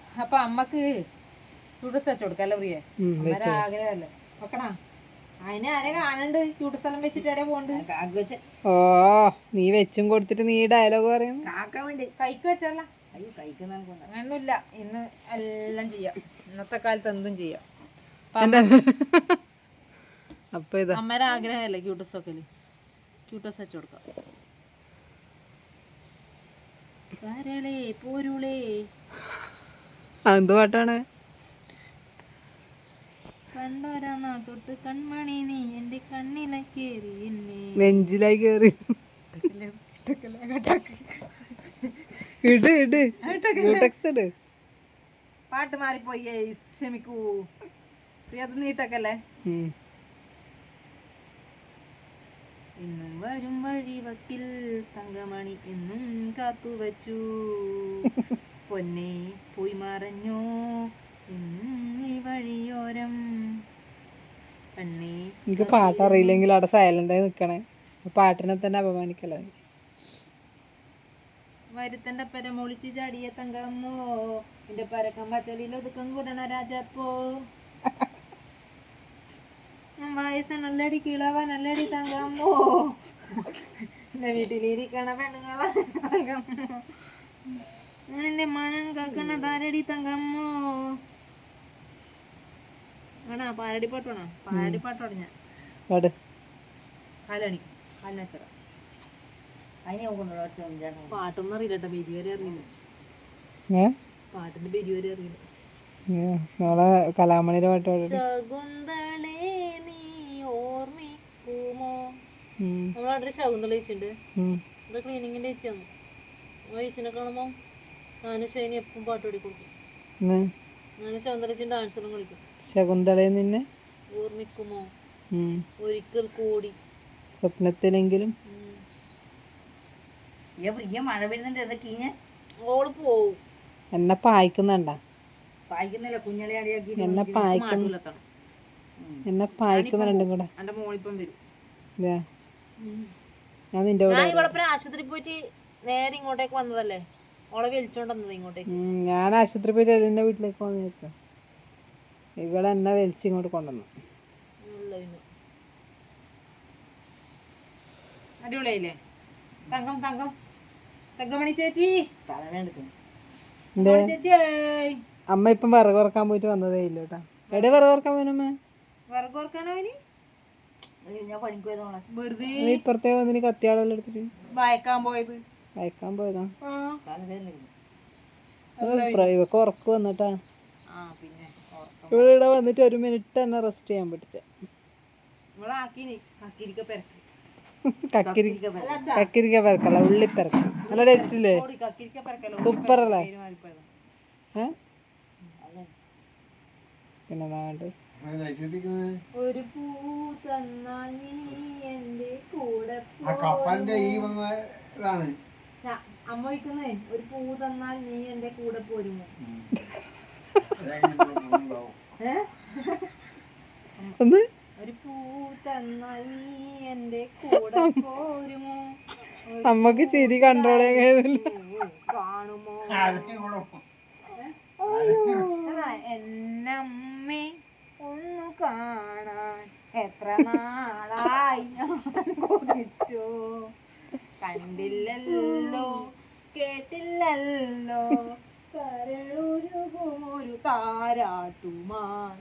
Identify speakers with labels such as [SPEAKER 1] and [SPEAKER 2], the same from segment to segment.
[SPEAKER 1] അപ്പൊ അമ്മക്ക് ക്യൂട്ടസ് വെച്ച് കൊടുക്കല്ലേ പ്രിയ? ആഗ്രഹമല്ലേ വെക്കണ? അതിന് ആരെ കാണണ്ട് ക്യൂട്ടസ് എല്ലാം വെച്ചിട്ട് എവിടെ പോണ്ട്?
[SPEAKER 2] ഓ നീ വെച്ചും കൊടുത്തിട്ട് നീ ഡയലോഗ് പറയുന്നു.
[SPEAKER 1] കൈക്ക് വെച്ചല്ല, അങ്ങനൊന്നുമില്ല. ഇന്ന് എല്ലാം ചെയ്യാം, ഇന്നത്തെ കാലത്ത് എന്തും ചെയ്യാം.
[SPEAKER 2] അപ്പൊ ഇതാ
[SPEAKER 1] അമ്മേരെ ആഗ്രഹമല്ലേ ക്യൂട്ടസ് ഒക്കെ, ക്യൂട്ടസ് വെച്ച് കൊടുക്കാം. സരളേ പോരുളേ
[SPEAKER 2] എന്ത് പാട്ടാണ്?
[SPEAKER 1] കണ്ടോരാ തൊട്ട് കൺമണി നീ എന്റെ കണ്ണിലെ കേറി
[SPEAKER 2] നെഞ്ചിലായി കേറി. ഇട് ഇട് ഇട്.
[SPEAKER 1] പാട്ട് മാറിപ്പോയി, ക്ഷമിക്കൂ പ്രിയ. അത് നീട്ടക്കല്ലേ. ഇന്നും വരും വഴി വക്കിൽ തങ്കമണി എന്നും കാത്തു വച്ചു, പൊന്നെ പോയി മറഞ്ഞു ഈ വഴിയോരം.
[SPEAKER 2] എനിക്ക് പാട്ടറിയില്ലെങ്കിൽ അവിടെ സൈലന്റായി നിക്കണേ. പാട്ടിനെ തന്നെ അപമാനിക്കല്ലേ.
[SPEAKER 1] വരുത്തന്റെ പര മൊളിച്ച് ചാടിയ തങ്കമ്മോ, എന്റെ പരക്കം പച്ചലിൽ ഒതുക്കം കൂടണ രാജപ്പോ. വയസ്സ് നല്ലടി കിളവ നല്ലടി തങ്കമ്മോ, എന്റെ വീട്ടിലിരിക്കണ പെണ്ണുങ്ങളെ എന്റെ മനം കാക്കണ താരടി തങ്കമ്മോ. വേണ പാരടി പാട്ട് വേണോ? പാരടി പാട്ടോട് ഞാൻ കാലണി കാലിനച്ചറ പാട്ടൊന്നും അറിയില്ലട്ടോ, ബെരി വരെ അറിയില്ല. പാട്ടിന്റെ ബെരി വരെ അറിയില്ല.
[SPEAKER 2] നാളെ കലാമണിയുടെ പാട്ട്.
[SPEAKER 1] ശകുന്തളേ നീ ഓർമ്മിക്കുമോ? നമ്മളവിടെ ശകുന്തള ചേച്ചിണ്ട്, ഇവിടെ ക്ലീനിങ്ങിന്റെ ചേച്ചിയാണ്. ചേച്ചിനെ കാണുമ്പോ ഞാനും ഷൈനി എപ്പം പാട്ട് പാടി കൊടുക്കും. ഞാൻ ശകുന്തള ചേച്ചി ഡാൻസറും കളിക്കും.
[SPEAKER 2] ശകുന്തളയെ നിന്നെ
[SPEAKER 1] ഓർമ്മിക്കുമോ ഒരിക്കൽ കൂടി
[SPEAKER 2] സ്വപ്നത്തിലെങ്കിലും.
[SPEAKER 1] മഴ വരുന്നുണ്ട്, ഓള് പോവും.
[SPEAKER 2] എന്നെ പായിക്കുന്നുണ്ടാ?
[SPEAKER 1] എന്നെ
[SPEAKER 2] പായിക്കുന്ന രണ്ടും കൂടെ.
[SPEAKER 1] എന്റെ മോളിപ്പം വരും.
[SPEAKER 2] ഞാൻ നിന്റെ കൂടെ.
[SPEAKER 1] ഇവിടെ ആശുപത്രി പോയിട്ട് നേരെ ഇങ്ങോട്ടേക്ക് വന്നതല്ലേ, ഓളെ വലിച്ചോണ്ട് വന്നത് ഇങ്ങോട്ടേക്ക്.
[SPEAKER 2] ഞാൻ ആശുപത്രി പോയിട്ട് എന്റെ വീട്ടിലേക്ക് വന്നു വെച്ചോ. ഇവിടെ എന്നെ വലിച്ച് ഇങ്ങോട്ട് കൊണ്ടുവന്നു.
[SPEAKER 1] അടിപൊളിയായില്ലേ? തങ്കം തങ്കം തങ്കമണി ചേച്ചി.
[SPEAKER 2] അമ്മ ഇപ്പം വിറക് കുറക്കാൻ പോയിട്ട് വന്നതേ ഇല്ല കേട്ടാ. എവിടെ വിറക് കുറക്കാൻ പോയമ്മ?
[SPEAKER 1] വിറക് കുറക്കാനോ?
[SPEAKER 2] ഇപ്പുറത്തെ വന്നിന് കത്തിയാളെല്ലാം എടുത്തിട്ട്
[SPEAKER 1] വായക്കാൻ പോയത്.
[SPEAKER 2] വായിക്കാൻ പോയതാ. ഇവക്ക് ഉറക്ക് വന്നിട്ടാ. ഇവിടെ വന്നിട്ട് 1 മിനിറ്റ് തന്നെ റെസ്റ്റ് ചെയ്യാൻ പറ്റില്ല. കക്കിരിക്ക പെരക്കല്ല, ഉള്ളിപ്പെരക്ക. നല്ല ടേസ്റ്റ് ഇല്ലേ? സൂപ്പർ അല്ലേ? പിന്നെ
[SPEAKER 1] ഒരു പൂ തന്നാൽ നീ എന്റെ കൂടെ അമ്മ വയ്ക്കുന്നേ, ഒരു പൂ തന്നാൽ നീ എന്റെ കൂടെ പോരുമോ? ഒരു പൂ തന്നാൽ നീ എന്റെ കൂടെ പോരുമോ?
[SPEAKER 2] അമ്മക്ക് ചിരി കൺട്രോൾ
[SPEAKER 1] കാണുമോ? എന്നമ്മേ ഒന്നു കാണാൻ എത്ര നാളായി ഞാൻ കൊതിച്ചു, കണ്ടില്ലല്ലോ കേട്ടില്ലല്ലോ കരളൊരുകുമൊരു താരാട്ടുമാൻ.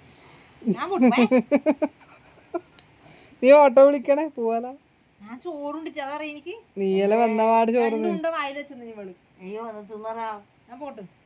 [SPEAKER 2] നീ ഓട്ടോ വിളിക്കണേ പോവാലോ.
[SPEAKER 1] ഞാൻ ചോറുണ്ട് അതറിയ എനിക്ക്.
[SPEAKER 2] നീയല്ലേ വന്ന പാട് ചോറുണ്ടോ
[SPEAKER 1] വായിൽ വെച്ചെന്ന് ഇവള്. അയ്യോ തിന്നറാ. ഞാൻ പോട്ട്.